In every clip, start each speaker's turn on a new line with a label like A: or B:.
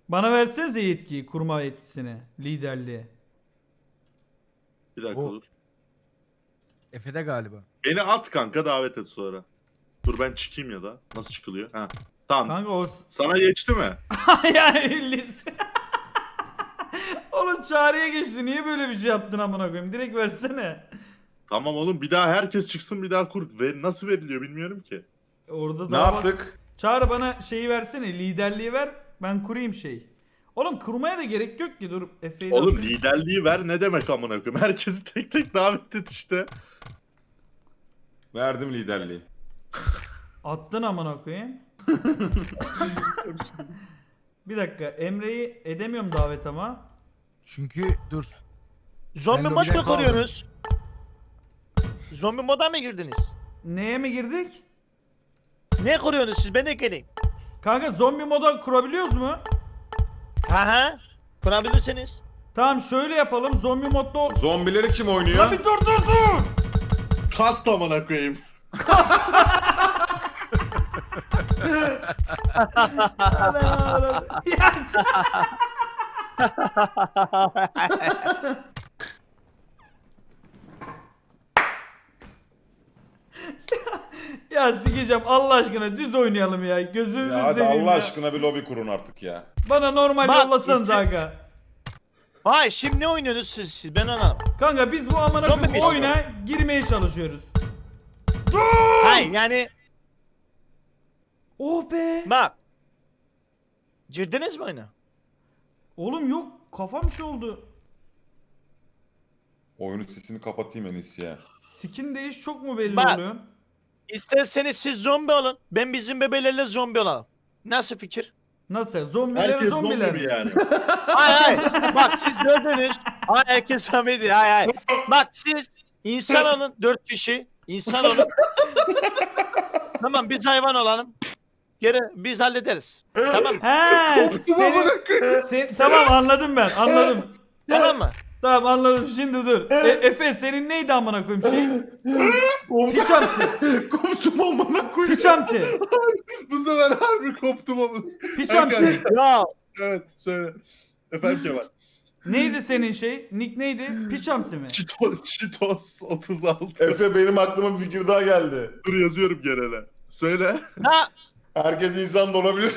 A: Bana versenize yetkiyi, kurma yetkisini, liderliği.
B: Bir dakika
C: O-
B: dur.
C: Efe'de galiba.
B: Beni at kanka, davet et sonra. Dur ben çıkayım ya da. Nasıl çıkılıyor? Ha. Tamam.
A: Kanka o...
B: Sana geçti mi?
A: yani lise... Oğlum çağrıya geçti. Niye böyle bir şey yaptın amına koyayım? Direkt versene.
B: Tamam oğlum, bir daha herkes çıksın, bir daha kur. Nasıl veriliyor bilmiyorum ki.
A: Orada
D: Ne
A: daha
D: yaptık?
A: Çağrı bana şeyi versene. Liderliği ver. Ben kurayım şey. Oğlum kurmaya da gerek yok ki. Dur Efe'yi de
B: Oğlum
A: atayım.
B: liderliği ver ne demek amına koyayım? Herkesi tek tek davet et işte.
D: Verdim liderliği.
A: Attın amına koyayım. Bir dakika. Emre'yi edemiyorum davet ama.
C: Çünkü dur.
E: Zombi
C: Ben
E: mod
C: lobiden
E: mu kuruyorsunuz? Zombi moda mı girdiniz?
A: Neye mi girdik?
E: Ne kuruyorsunuz siz? Ben de geleyim.
A: Kanka zombi moda kurabiliyoruz mu?
E: Aha. Kurabilirsiniz.
A: Tamam şöyle yapalım. Zombi modda ol.
D: Zombileri kim oynuyor?
A: Ya bir dur.
B: Kast amına koyayım.
A: Ya, ya sikeceğim Allah aşkına düz oynayalım ya. Gözünüzü
D: Ya hadi
A: seveyim
D: Allah
A: ya.
D: aşkına bir lobi kurun artık ya.
A: Bana normal
E: Bak,
A: yollasanız
E: işte-
A: aga.
E: Vay şimdi ne oynuyorsunuz siz? Ben anlamadım.
A: Kanka biz bu amına
E: Zombi
A: koyayım
E: mi
A: oyuna girmeye çalışıyoruz.
E: Hayır yani
A: Oh be.
E: bak. Girdiniz mi oyuna?
A: Oğlum yok kafam şey oldu.
D: Oyunun sesini kapatayım en iyisi ya.
A: Skin değiş çok mu belli
E: Bak.
A: oluyor?
E: İsterseniz siz zombi olun. Ben bizim bebelerle zombi olalım. Nasıl fikir?
A: Nasıl? Zombiler
B: Herkes
A: zombiler
B: zombi mi
A: mi?
B: yani?
E: Hayır. Bak siz gördünüz. Hayır herkes zombi değil. Hayır. Bak siz insan olun. 4 kişi. İnsan olun. Tamam biz hayvan olalım. Geri biz hallederiz. Tamam mı?
A: He, tamam anladım ben anladım.
E: Tamam mı?
A: Tamam anladım şimdi dur. Efe senin neydi amına koyayım şey? Piçamsi.
D: Koptum amına koyayım.
A: Piçamsi.
B: Bu sefer harbi koptum ama.
A: Piçamsi.
E: Ya
B: Evet söyle. Efendim Kemal.
A: Neydi senin şey? Nick neydi? Piçamsi mi?
B: Cheetos 36.
D: Efe benim aklıma bir fikir daha geldi.
B: Dur yazıyorum genele. Söyle.
E: ha
D: Herkes insan da olabilir.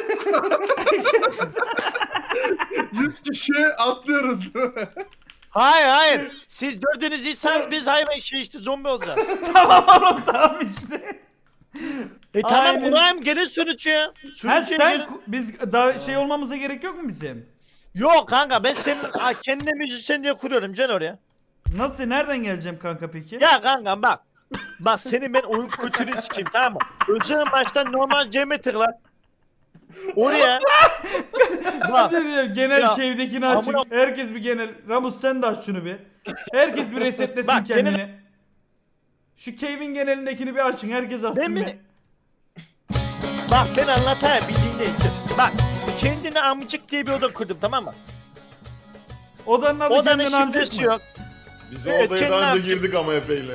B: 100 kişi atlıyoruz değil mi?
E: hayır. Siz dördünüz insanız biz hayvan şey işte zombi olacağız.
A: Tamam oğlum tamam işte.
E: Tamam
A: Aynen.
E: kurayım gelin sürücü ya.
A: Ha,
E: Sürücüye
A: sen
E: gelin.
A: biz daha şey olmamıza gerek yok mu bizim?
E: Yok kanka ben senin kendine müzisyen diye kuruyorum can oraya.
A: Nasıl nereden geleceğim kanka peki?
E: Ya kanka bak. Bak senin ben oyun kültürünü sikeyim tamam mı? Özel baştan normal Cem'e tıkla. Oraya. Bak.
A: Şey diyeyim, genel
E: Ya,
A: cave'dekini açın.
E: amına-
A: Herkes bir genel. Ramus sen de aç şunu bir. Herkes bir resetlesin
E: Bak, genel-
A: kendini. Şu cave'in genelindekini bir açın. Herkes açsın
E: Ben
A: bir.
E: mi? Bak ben anlatayım bildiğin değil. Bak kendine amcık diye bir oda kurdum tamam mı?
A: Odanın adı
E: Odanın
A: kendine amcık
E: şifresi
A: mı?
E: yok.
D: Biz
E: Evet,
D: o odaya
E: kendi
D: daha önce
E: amcık.
D: girdik ama Efe'yle.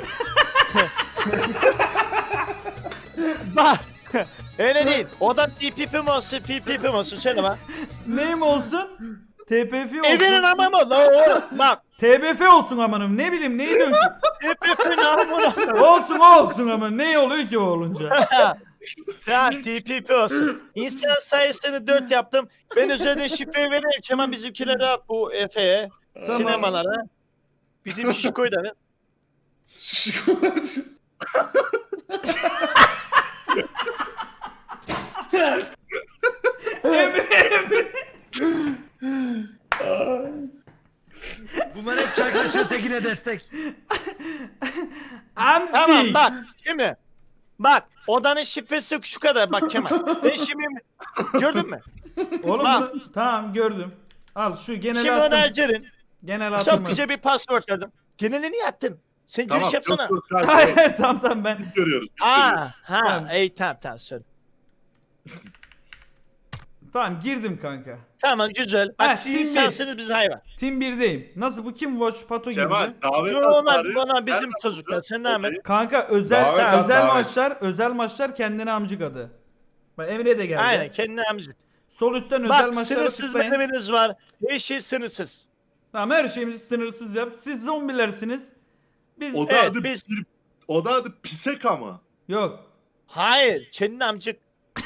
E: Bak. Öyle değil. Oda TPP mi olsun, PPP mi olsun söyle bak.
A: Neyim olsun? TPF olsun.
E: Evinin amamı la o. Bak.
A: TBF olsun amanım. Ne bileyim neyi dön ki?
E: TPP'nin amamı.
A: Olsun o olsun ama ne oluyor ki o olunca?
E: Ya TPP olsun. İnsan sayısını 4 yaptım. Ben üzerinde şifreyi vereyim. Hemen bizimkilere at bu Efe'ye.
A: Tamam.
E: Sinemalara. Bizim Şişko'yu da ver.
A: Emre.
C: Bunlar hep çay kaşığı tekine destek.
A: Amsi.
E: Tamam bak şimdi. Bak odanın şifresi şu kadar bak Kemal. Ben şimdi gördün mü?
A: Oğlum
E: Bak.
A: tamam gördüm. Al şu genel
E: Şimdi onu
A: attım.
E: açarın.
A: Genel attım.
E: Çok güzel bir password verdim. Genelini yattın. Sen giriş yapsana.
B: Yok, yok,
A: Hayır tamam ben.
B: Biz görüyoruz. Biz görüyoruz.
E: Aa, ha,
A: Tamam.
E: tamam söyle.
A: Tamam girdim kanka.
E: Tamam güzel.
A: Ha,
E: Bak siz
A: şimdi-
E: insansınız biz hayvan.
A: Team 1'deyim. Nasıl bu kim Watch Pato girdi?
B: Kemal davet
E: Yo,
B: at
E: onlar
B: bari.
E: bana bizim
B: Nereden
E: çocuklar.
B: bulacağız
E: Sen devam et.
B: odayı?
A: Kanka özel
D: Davet at,
A: özel
D: davet.
A: maçlar kendine amcık adı. Bak Emre de geldi.
E: Aynen kendine amcık.
A: Sol üstten özel
E: Bak
A: maçlara
E: sınırsız
A: tıklayın.
E: menümünüz var. Her şey sınırsız.
A: Tamam, her şeyimizi sınırsız yap. Siz zombilersiniz. Biz
B: O da
E: Evet,
B: adı
E: biz-
B: o da adı pisek ama.
A: yok.
E: Hayır. Kendin amcık.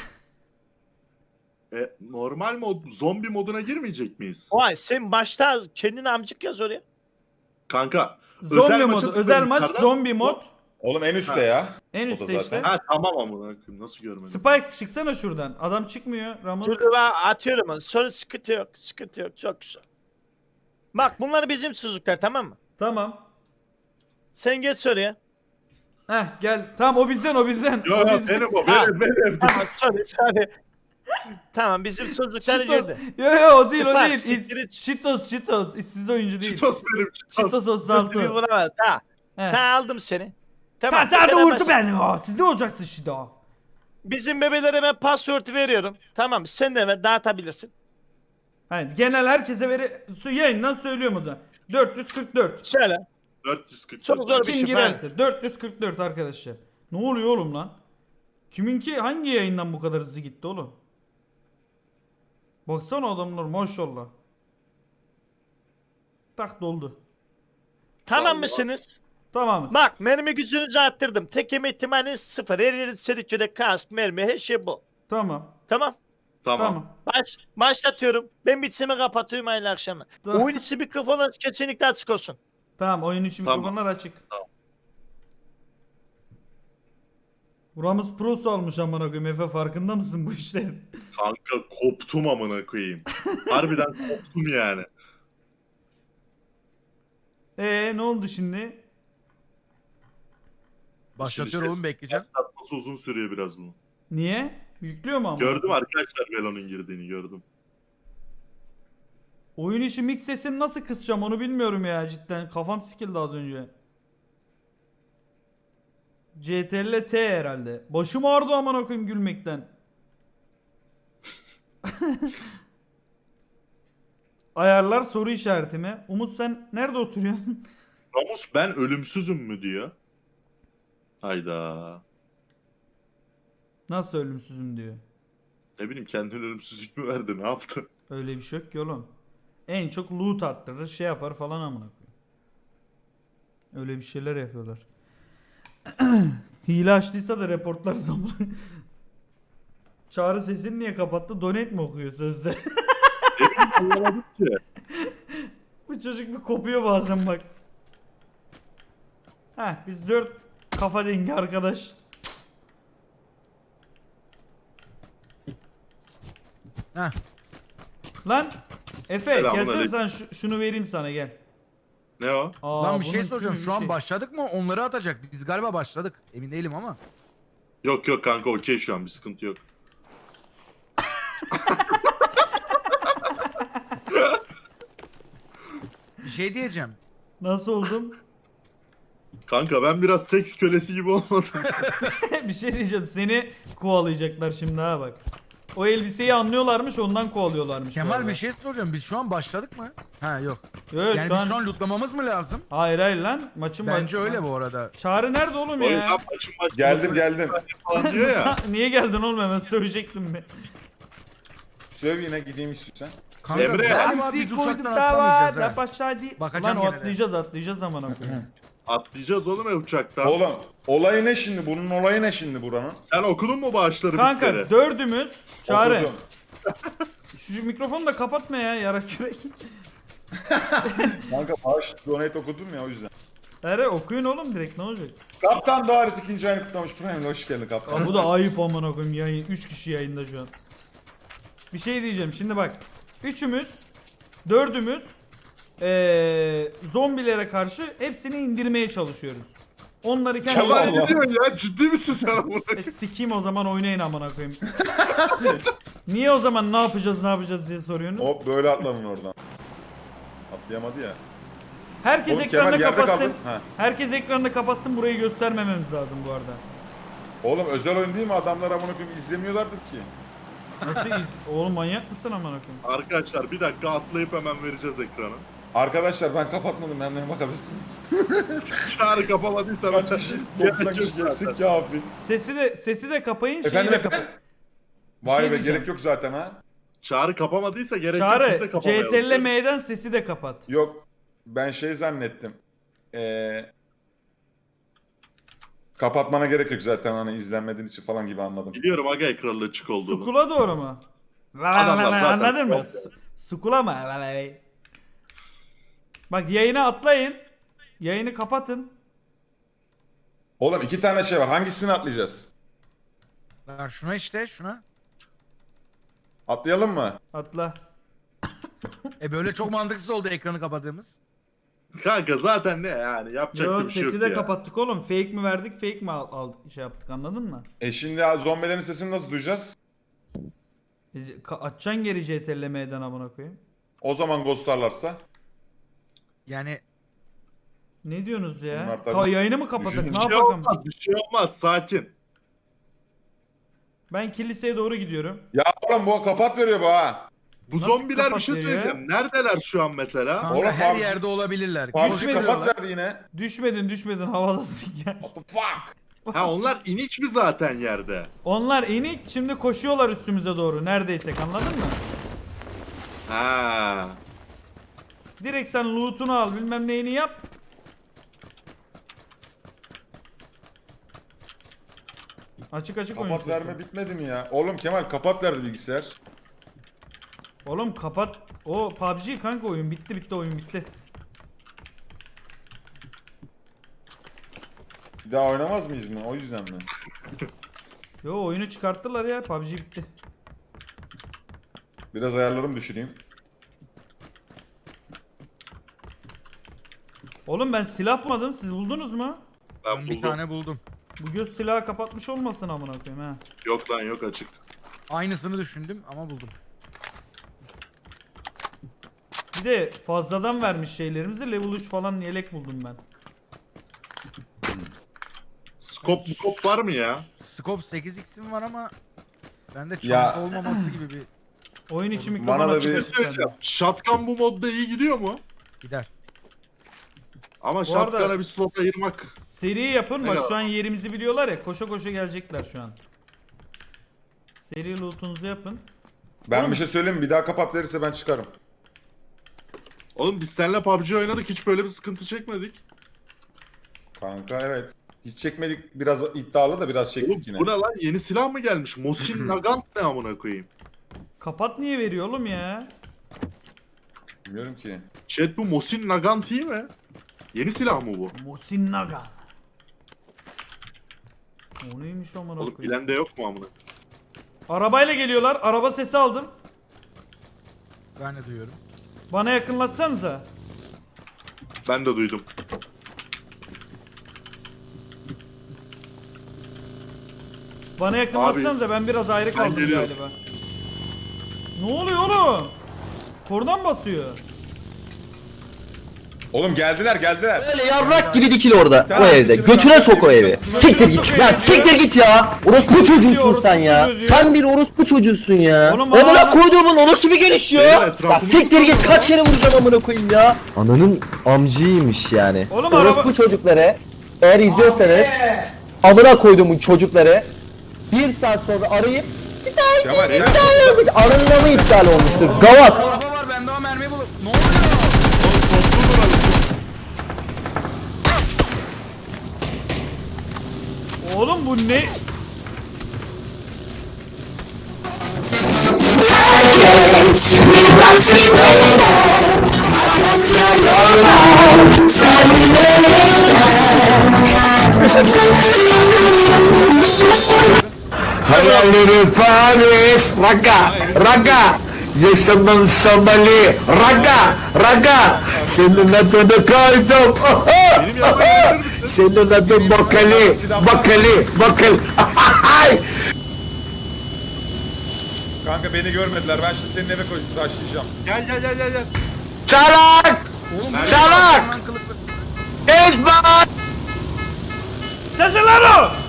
B: Normal mod, zombi moduna girmeyecek miyiz?
E: Vay sen başta kendin amcık yaz oraya.
B: Kanka.
A: Zombi
B: maça
A: modu. Özel maç
B: yukarıdan-
A: zombi mod.
D: Oğlum en üstte ya.
A: En
D: O da
A: üstte
D: zaten.
A: işte.
B: Ha tamam amına koyayım, nasıl görmedim?
A: Spikes çıksana şuradan. Adam çıkmıyor. Ramos.
E: Dur ben atıyorum onu. Sonra sıkıntı yok. Sıkıntı yok. Çok güzel. Bak bunlar bizim çocuklar tamam mı?
A: Tamam.
E: Sen geç oraya.
A: Heh gel. Tamam o bizden o bizden.
B: Yo
A: O
B: yo
A: bizden.
B: benim o
E: Ha.
B: benim.
E: Tamam sorry. Tamam bizim çocuklar
A: Cheetos.
E: girdi.
A: Yo yo o değil o
E: Spike,
A: değil.
E: siktir et.
A: Cheetos. İşsiz oyuncu değil.
B: Cheetos benim.
A: Cheetos
E: Bir
A: 36.
E: vuramadı. Ta.
A: He.
E: Ta aldım seni.
A: Ha,
E: Tamam.
A: sen de
E: bu kadar
A: vurdu
E: basit.
A: beni. Ha, siz de olacaksın şimdi ha.
E: Bizim bebelere ben password veriyorum. Tamam sen de ver dağıtabilirsin.
A: Hayır, genel herkese yayından söylüyorum o zaman. 444.
E: Söyle.
B: 440.
E: Çok zor bir
A: Kim
E: şey.
A: girerse. 444 arkadaşlar. Ne oluyor oğlum lan? Kiminki hangi yayından bu kadar hızlı gitti oğlum? Baksana adamlar maşallah. Tak doldu.
E: Tamam
B: Vallahi.
E: mısınız?
A: Tamamız.
E: Bak mermi gücünüzü arttırdım. Tek yeme ihtimali 0. Her yeri çelikçede kask, mermi her şey bu.
A: Tamam.
E: Tamam.
B: Tamam.
E: Başlatıyorum. Ben bitsimi kapatıyorum hayırlı akşamlar.
A: Tamam.
E: Oyun içi mikrofonu kesinlikle açık olsun.
A: Tamam oyun için
B: Tamam.
A: mikrofonlar açık.
B: Tamam.
A: Buramız prosu almış amına koyayım. Efe farkında mısın bu işlerin?
B: Kanka koptum amına koyayım. Harbiden koptum yani.
A: Ne oldu şimdi?
C: Başlatıyor oğlum bekleyeceğim.
B: Tatması uzun sürüyor biraz bunu.
A: Niye? Yüklüyor mu ama?
B: Gördüm arkadaşlar Velo'nun girdiğini gördüm.
A: Oyun içi mix sesini nasıl kısacağım onu bilmiyorum ya cidden. Kafam sikildi az önce. CTRL T herhalde. Başım ağrıdı amına koyayım gülmekten. Ayarlar soru işareti mi? Umut sen nerede oturuyorsun?
B: Ramus ben ölümsüzüm mü diyor. Hayda.
A: Nasıl ölümsüzüm diyor.
B: Ne bileyim kendine ölümsüzlük mü verdi ne yaptı?
A: Öyle bir şey yok ki oğlum. En çok loot attırır şey yapar falan amına koyayım. Öyle bir şeyler yapıyorlar. Hile açtıysa da reportlar zamanı. Çağrı sesini niye kapattı? Donate mi okuyor sözde?
B: Anlamadım ki.
A: Bu çocuk bir kopuyor bazen bak. Heh biz 4 kafa dengi arkadaş.
C: Heh.
A: Lan Efe
B: Selamun
A: gelsene
B: aleyküm.
A: sen şunu vereyim sana gel.
B: Ne o?
A: Aa,
C: Lan bir şey
A: bunun
C: soracağım.
A: tüm
C: Şu an
A: şey-
C: başladık mı? Onları atacak. Biz galiba başladık. Emin değilim ama.
B: Yok yok kanka okey şu an bir sıkıntı yok.
C: Bir şey diyeceğim.
A: Nasıl oldum?
B: Kanka ben biraz seks kölesi gibi olmadım.
A: Bir şey diyeceğim seni kovalayacaklar şimdi ha bak. O elbiseyi anlıyorlarmış ondan kovalıyorlarmış. bu
C: Kemal
A: arada.
C: bir şey soracağım. Biz şu an başladık mı? Ha yok.
A: Yok, yok,
C: Yani
A: şu
C: biz
A: an...
C: şu an lootlamamız mı lazım?
A: Hayır hayır lan maçın
C: Bence öyle bu arada.
A: Çağrı nerede oğlum
B: O
A: ya?
B: yüzden maçın
D: Geldim.
B: falan diyor ya.
A: Niye geldin oğlum hemen söyleyecektim mi?
D: Söyle yine gideyim istiyorsan.
C: Kanka
B: Emre.
C: galiba biz uçaktan atlamayacağız ha. Bakacağım
A: Lan o
C: gene de.
A: atlayacağız aman koyayım.
B: Atlayacağız oğlum uçaktan.
D: Oğlum olayı ne şimdi? Bunun olayı ne şimdi buranın?
B: Sen okudun mu bağışları
A: Kanka
B: bir kere?
A: dördümüz Çağrı.
D: Okudum.
A: Şu mikrofonu da kapatma ya yarak kürek.
D: Kanka bağış donate okudum ya o yüzden.
A: Ere okuyun oğlum direkt ne olacak?
D: Kaptan Doğaris ikinci ayını kutlamış. Prime hoş geldin kaptan.
A: Ya bu da ayıp aman koyayım yayın 3 kişi yayında şu an. Bir şey diyeceğim şimdi bak. Üçümüz, dördümüz zombilere karşı hepsini indirmeye çalışıyoruz. Onları kendi
B: Kemal
D: Allah.
B: ne diyorsun ya? Ciddi misin sen amına?
A: sikeyim o zaman oynayın amına koyayım. Niye o zaman ne yapacağız diye soruyorsunuz?
D: Hop böyle atlanın oradan. Atlayamadı ya.
A: Herkes
D: Oğlum
A: ekranını
D: Kemal yerde
A: kapatsın.
D: kaldın. Ha.
A: Herkes ekranını kapatsın burayı göstermememiz lazım bu arada.
D: Oğlum özel oyun değil mi? Adamlar amına koyayım izlemiyorlardır ki.
A: Nasıl Oğlum manyak mısın amına koyayım?
B: Arkadaşlar bir dakika atlayıp hemen vereceğiz ekranı.
D: Arkadaşlar ben kapatmadım. Benden bakabilirsiniz.
B: Çağrı kapamadıysa
D: Kaç kişi? 90 kişi geçsek kafi.
A: Sesi de kapayın şeyi
D: Efendim
A: de
D: efendim.
A: kapayın.
D: Vay
A: şey
D: be
A: diyeceğim.
D: gerek yok zaten ha.
B: Çağrı kapamadıysa gerek yok, biz de
A: Çağrı
B: kapamayalım.
A: CTRL M'den sesi de kapat.
D: Yok ben şey zannettim. Kapatmana gerek yok zaten hani izlenmediğin için falan gibi anladım.
B: Biliyorum aga ekranla açık olduğunu.
A: Skula doğru mu?
B: Adamlar zaten
A: Anladın mı?
B: çok-
A: Skula mı? Bak yayına atlayın. Yayını kapatın.
D: Oğlum 2 tane şey var. Hangisini atlayacağız?
C: Ver şuna işte şuna.
D: Atlayalım mı?
A: Atla.
C: Böyle çok mantıksız oldu ekranı kapadığımız.
B: Kanka zaten ne yani yapacak
A: Yo
B: bir şey yok
A: sesi de
B: ya.
A: kapattık oğlum. Fake mi verdik, fake mi aldık şey yaptık anladın mı?
D: Şimdi zombilerin sesini nasıl duyacağız?
A: Açacaksın geri CTRL M'den amına koyayım.
D: O zaman ghostlarlarsa.
C: Yani
A: Ne diyorsunuz ya?
D: Bunlar tabii-
A: Yayını mı kapatık?
D: Düşün-
A: Ne
B: Bir şey
A: yapalım?
B: olmaz, bir şey olmaz, sakin.
A: Ben kiliseye doğru gidiyorum.
D: Ya oğlum bu kapat veriyor bu ha.
B: Bu
A: Nasıl
B: zombiler bir
A: kapat
B: şey
A: veriyor
B: söyleyeceğim. Neredeler şu an mesela?
C: kanka
D: Oğlum,
C: her
D: PUBG
C: yerde olabilirler.
D: PUBG
A: Düşmedi
D: kapat
A: lan.
D: verdi yine.
A: Düşmedin havadasın ya.
D: What the fuck?
B: Ha onlar inik mi zaten yerde?
A: Onlar inik şimdi koşuyorlar üstümüze doğru neredeysek anladın mı?
B: Ha.
A: Direkt sen loot'unu al bilmem neyini yap. Açık oyun
D: Kapat
A: sesi.
D: verme bitmedi mi ya? Oğlum Kemal kapat verdi bilgisayar.
A: Oğlum kapat. O PUBG kanka oyun bitti oyun bitti.
D: Bir daha oynamaz mıyız mı? O yüzden mi?
A: Yo oyunu çıkarttılar ya PUBG bitti.
D: Biraz ayarlarımı düşüreyim.
A: Oğlum ben silah bulmadım siz buldunuz mu?
B: Ben
C: Ben
B: buldum.
C: bir tane buldum.
A: Bu göz silahı kapatmış olmasın amına koyayım ha.
B: Yok lan yok açık.
C: Aynısını düşündüm ama buldum.
A: Bir de fazladan vermiş şeylerimizi level 3 falan yelek buldum ben.
B: Skop var mı ya?
C: Scope 8x'im var ama bende
D: Ya.
C: çanta olmaması gibi bir
A: Oyun içi
D: Bana
A: mikrofon
D: da
A: açık
D: bir-
A: açık
B: Söyleyeceğim.
A: bende.
B: Shotgun bu modda iyi gidiyor mu?
C: gider.
B: Ama
A: arada-
B: shotgun'a bir slot ayırmak.
A: Seri yapın
B: Ne
A: bak
B: kadar?
A: şu an yerimizi biliyorlar ya koşa koşa gelecekler şu an. Seri loot'unuzu yapın.
D: Ben
A: Oğlum-
D: bir şey söyleyeyim mi? Bir daha kapat verirse ben çıkarım.
B: Oğlum biz seninle PUBG oynadık hiç böyle bir sıkıntı çekmedik.
D: Kanka evet. Hiç çekmedik. Biraz iddialı da biraz
B: Oğlum
D: çektik yine.
B: bu ne lan yeni silah mı gelmiş? Mosin Nagant ne amına koyayım?
A: Kapat niye veriyor oğlum ya?
D: Bilmiyorum ki.
B: Chat bu Mosin Nagant iyi mi? Yeni silah mı bu?
A: Musin Naga. O neymiş amına
B: Oğlum
A: koyayım?
B: bilen de yok mu amına?
A: Arabayla geliyorlar. Araba sesi aldım.
C: Ben de duyuyorum.
A: Bana yakınlatsanıza.
B: Ben de duydum.
A: Bana yakınlatsanıza ben biraz ayrı kaldım
B: geliyorum.
A: galiba. Ne oluyor oğlum? Kordan basıyor.
D: Oğlum geldiler.
F: Öyle yarrak gibi dikil orada
D: Tamam,
F: o evde.
D: dikili
F: Götüne
D: tamam,
F: sok o
D: dikili
F: evi.
D: tamam.
F: Siktir git. Ya siktir git ya. Orospu çocuğusun
A: orospu
F: sen ya.
A: çocuğu.
F: Sen bir orospu çocuğusun ya.
A: Oğlum
F: Amına
A: bana-
F: koyduğumun o nasıl bir geliş ya?
B: Beyler,
F: Ya
B: etrafımızı
F: siktir git
B: sarıyorlar.
F: kaç kere vuracaksın amına koyayım ya. Ananın amcıymış yani.
A: Oğlum
F: Orospu
A: araba-
F: çocukları eğer izliyorsanız amına koyduğumun çocukları bir saat sonra arayıp
D: Kemal sen...
F: aranın mı iptal olmuştur? Gavat.
C: Araba var bende o mermiyi bulup. Ne oluyor?
A: Oğlum bu ne?
G: Hayalleri Paris, raga, yaşamın Somali, raga, senin adını koydum,
B: Benim yanıma gelir misin?
G: senin adın Bakali,
D: Kanka beni görmediler. Ben şimdi senin eve taşıyacağım.
B: Gel.
G: salak,
C: Oğlum
B: Ben-
G: salak,
C: Lan kılıklı.
G: ezber.
A: Sesi lan o!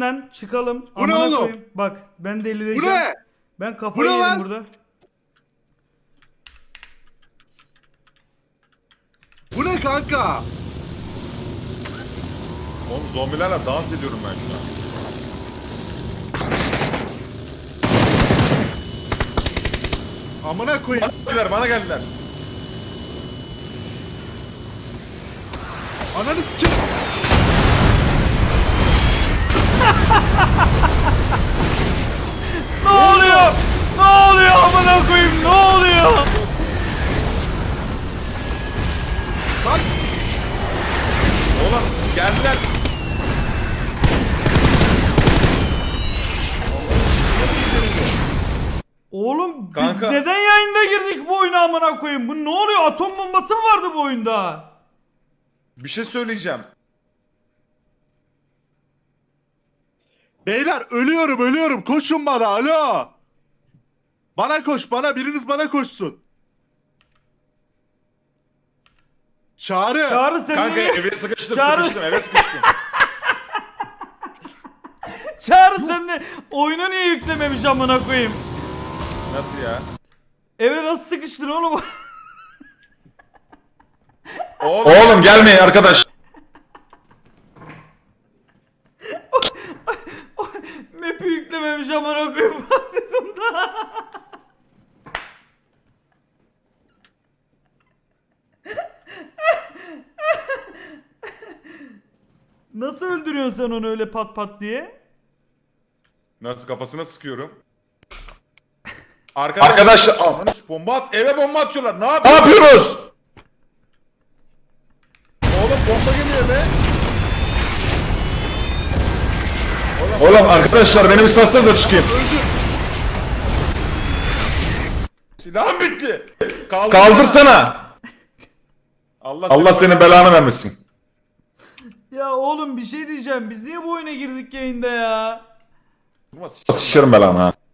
A: lan çıkalım.
B: Bu ne
A: Amına
B: oğlum?
A: koyayım. Bak ben delireceğim.
B: Bu ne?
A: Ben
B: Bu
A: kafayı
B: ne
A: yedim
B: lan?
A: burada.
B: Bu ne kanka?
D: Oğlum zombilerle dans ediyorum ben şu an.
B: Amına koyayım.
D: Bana geldiler.
B: Ananı sikim.
A: Ne oluyor? Ne oluyor amına koyayım? Ne oluyor?
D: Oğlum geldiler.
A: Oğlum biz
D: Kanka.
A: neden yayında girdik bu oyuna amına koyayım? Bu ne oluyor? Atom bombası mı vardı bu oyunda?
D: Bir şey söyleyeceğim.
B: Beyler ölüyorum. Koşun bana. Alo. Bana koş. Biriniz bana koşsun. Çağrı.
A: Çağrı sen
D: Kanka
A: niye?
D: eve sıkıştım
A: Çağrı-
D: eve sıkıştım.
A: Çağrı sen de oyunu niye yüklememiş amına koyayım?
D: Nasıl ya?
A: Eve nasıl sıkıştın oğlum?
D: Oğlum gelmeyin arkadaş.
A: Map'i yüklememiş amına koyayım. Sonunda. Nasıl öldürüyorsun sen onu öyle pat pat diye?
D: Nasıl kafasına sıkıyorum. Arkadaşlar bomba at, eve bomba atıyorlar. Ne yapıyoruz? Oğlum bomba geliyor be. Oğlum arkadaşlar beni bir satsanıza çıkayım. Silahım bitti. Kaldırsana. Allah senin belanı vermesin.
A: Ya oğlum bir şey diyeceğim. Biz niye bu oyuna girdik yayında ya?
D: Sikerim belanı ha.